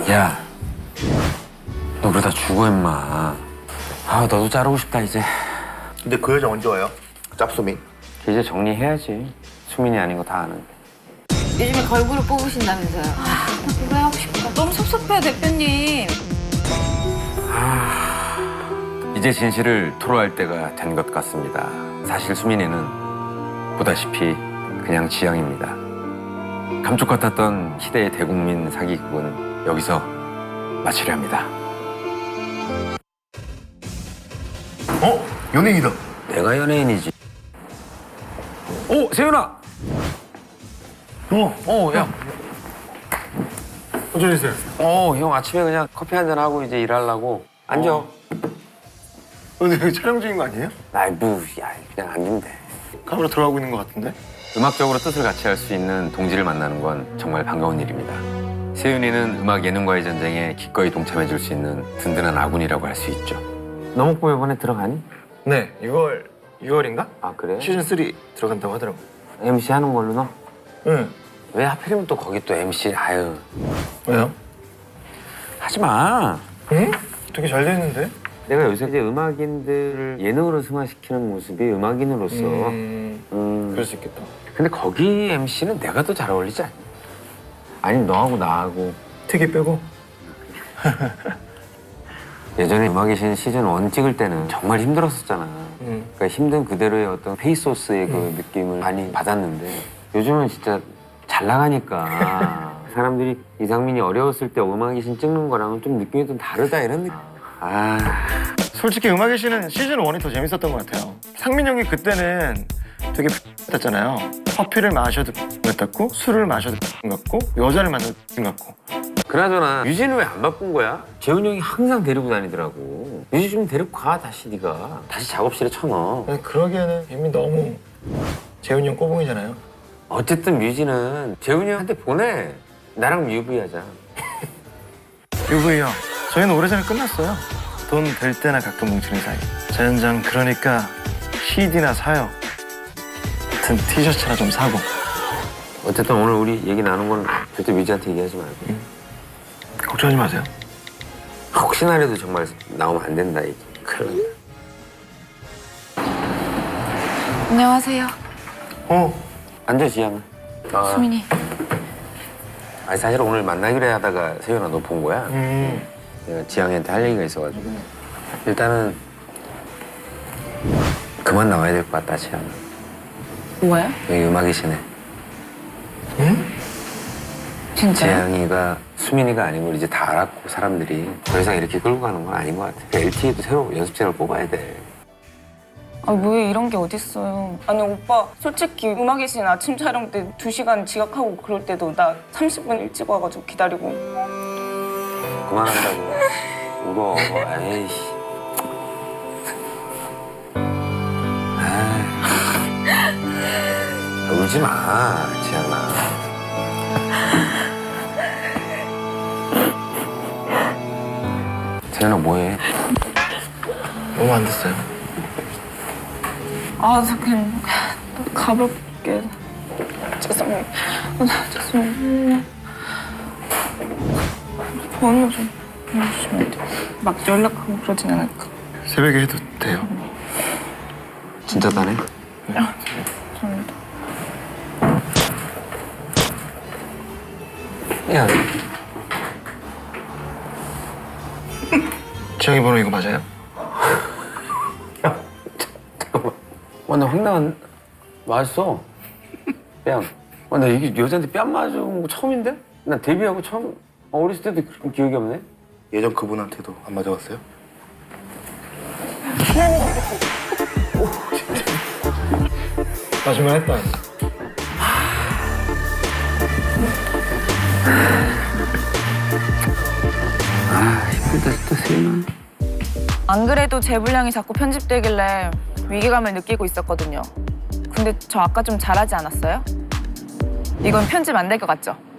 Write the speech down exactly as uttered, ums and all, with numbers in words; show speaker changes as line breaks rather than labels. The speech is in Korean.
야, 너 그러다 죽어 임마. 아, 너도 자르고 싶다 이제.
근데 그 여자 언제 와요? 짭수미.
이제 정리해야지. 수민이 아닌 거 다 아는데.
요즘에 걸그룹 뽑으신다면서요.
아, 나 그거 하고 싶다. 너무 섭섭해요, 대표님.
이제 진실을 토로할 때가 된 것 같습니다. 사실 수민이는 보다시피 그냥 지향입니다. 감쪽 같았던 시대의 대국민 사기극은 여기서 마치려 합니다.
어? 연예인이다.
내가 연예인이지. 오, 세윤아!
어,
어, 야.
어쩌 계세요?
어, 형 아침에 그냥 커피 한잔 하고 이제 일하려고. 앉아.
어. 근데 여기 촬영 중인 거 아니에요?
아이, 뭐, 야, 그냥 앉으면 돼.
카메라 들어가고 있는 거 같은데?
음악적으로 뜻을 같이 할 수 있는 동지를 만나는 건 정말 반가운 일입니다. 세윤이는 음악 예능과의 전쟁에 기꺼이 동참해줄 수 있는 든든한 아군이라고 할 수 있죠. 너목보 이번에 들어가니?
네, 유월, 유월인가?
아, 그래?
시즌 쓰리 들어간다고 하더라고.
엠씨 하는 걸로 너?
응.
왜 하필이면 또 거기 또 엠씨, 아유.
왜요?
하지 마.
응? 되게 잘 됐는데?
내가 요새 이제 음악인들을 예능으로 승화시키는 모습이 음악인으로서.
음,
음.
그럴 수 있겠다.
근데 거기 엠씨는 내가 더 잘 어울리지 않니? 아니면 너하고 나하고.
특이 빼고?
예전에 음악의 신 시즌 원 찍을 때는 정말 힘들었었잖아.
응.
그러니까 힘든 그대로의 어떤 페이소스의 그
음.
느낌을 많이 받았는데 요즘은 진짜 잘 나가니까 사람들이 이상민이 어려웠을 때 음악의 신 찍는 거랑은 좀 느낌이 좀 다르다 이런 느낌. 아,
솔직히 음악의 신은 시즌 원이 더 재밌었던 것 같아요. 상민 형이 그때는 되게 같잖아요. 커피를 마셔도 같고 술을 마셔도 같고 여자를 만나도 같고.
그나저나 유진은 왜 안 바꾼 거야? 재훈이 형이 항상 데리고 다니더라고. 유진 좀 데리고 가 다시 네가. 다시 작업실에 쳐넣어.
아니, 그러기에는 이미 너무 재훈이 형 꼬붕이잖아요.
어쨌든 뮤지는 재훈이 형한테 보내. 나랑 유브이하자.
유브이 형, 저희는 오래전에 끝났어요. 돈 될 때나 가끔 뭉치는 사이. 자연장 그러니까 씨디나 사요. 같은 티셔츠나 좀 사고.
어쨌든 오늘 우리 얘기 나눈 건 절대 뮤지한테 얘기하지 말고.
응. 걱정하지 마세요.
혹시나라도 정말 나오면 안 된다 이게. 그러니까.
안녕하세요.
어,
앉아 지양아. 아,
수민이.
아니 사실 오늘 만나기로 하다가 세윤아 너 본 거야.
음,
내가 지양이한테 할 얘기가 있어가지고 일단은 그만 나와야 될 것 같다 지양아.
뭐예요?
여기 음악의 신에
응?
진짜요?
지양이가 수민이가 아닌 걸 이제 다 알았고 사람들이 더 이상 이렇게 끌고 가는 건 아닌 것 같아. 엘티에도 새로 연습생을 뽑아야 돼.
아, 왜 이런 게 어딨어요. 아니, 오빠, 솔직히 음악의 신 아침 촬영 때 두 시간 지각하고 그럴 때도 나 삼십 분 일찍 와가지고 기다리고.
그만한다고. 울어. 에이씨. 아, 울지 마, 지양아. 세연아 뭐해?
너무 안 됐어요.
아, 저 그냥 가볼게. 죄송해요. 아, 죄송해요. 번호 좀 보내주시면 안 돼요? 막 연락하고 그러진 않을까?
새벽에 해도 돼요.
진짜 다네?
아, 죄송합니다.
야,
지영이 번호 이거 맞아요?
잠깐만. 와, 나 황당한. 맞았어. 뺨. 와, 나 이게 여자한테 뺨 맞은 거 처음인데? 나 데뷔하고 처음. 아, 어렸을 때도 그런 기억이 없네?
예전 그분한테도 안 맞아봤어요? 마지막 했다.
아, 힘들다 진짜 세연아.
안 그래도 제 분량이 자꾸 편집되길래 위기감을 느끼고 있었거든요. 근데 저 아까 좀 잘하지 않았어요? 이건 편집 안 될 것 같죠?